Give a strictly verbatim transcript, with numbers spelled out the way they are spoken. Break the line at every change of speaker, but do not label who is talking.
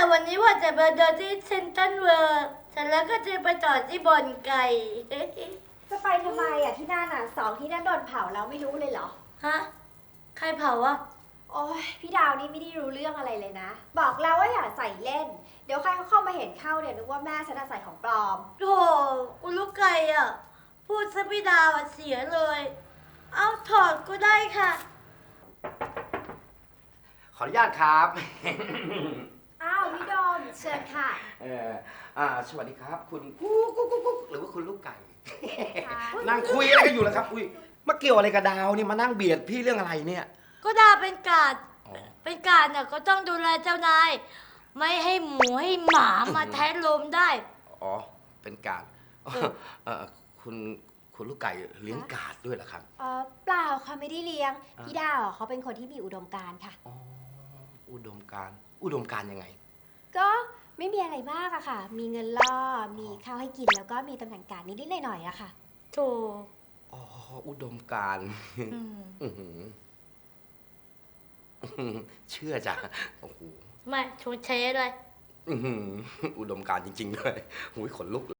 วันนี้ว่าจะไปเดินที่เซ็นทรัลเวิลด์เสร็จแล้วก็จะไปต่อที่บอนไก่
จะไปทำไมอ่ะที่นั่นอ่ะสองที่นั่นโดนเผาแล้วไม่รู้เลยเหรอ
ฮะ ใครเผาวะ
โอ้ยพี่ดาวนี่ไม่ได้รู้เรื่องอะไรเลยนะ บอกแล้วว่าอย่าใส่เล่น เดี๋ยวใครเขาเข้ามาเห็นเข้าเนี่ยนึกว่าแม่ฉันใส่ของปลอม
โธ่กูลูกไก่อ่ะ พูดซะพี่ดาวอะเสียเลย เอาถอดก็ได้ค่ะ
ขออนุญาตครับ
อ้าวพี่โดมเชิญค่ะ
เอออ่าสวัสดีครับ คุณกุ๊กกุ๊กกุ๊กกุ๊กหรือว่าคุณลูกไก่
ค่ะ
นั่งคุยอะไรกันอยู่แล้วครับ อุ้ยมาเกี่ยวอะไรกับดาวนี่มานั่งเบียดพี่เรื่องอะไรเนี่ย
ก็ดาวเป็นกาด
อ๋อ
เป็นกาดน่ะก็ต้องดูแลเจ้านาย ไม่ให้หมูให้หมามาแทะลมได้
อ๋อ เป็นการ
เออ
เออคุณคุณลูกไก่เลี้ยงกาดด้วยเหรอครับ
เออเปล่าค่ะไม่ได้เลี้ยง
อ่า
พี่ดาวอ่ะเขาเป็นคนที่มีอุดมการณ์ค่ะ
อ๋อ อุดมการณ์อุดมการณ์ยังไง
ก็ไม่มีอะไรมากอะค่ะ มีเงินล่อ มีข้าวให้กินแล้วก็มีตำแหน่งการนิดๆหน่อยๆอะค่ะ
โถ
อ๋อ อุดมการณ์
อืม
อื้อหืออื้อหือเชื่อจ้ะโอ้โห
ไม่ชวนเชเลย
อื้อหืออุดมการณ์จริงๆด้วยหูยขนลุก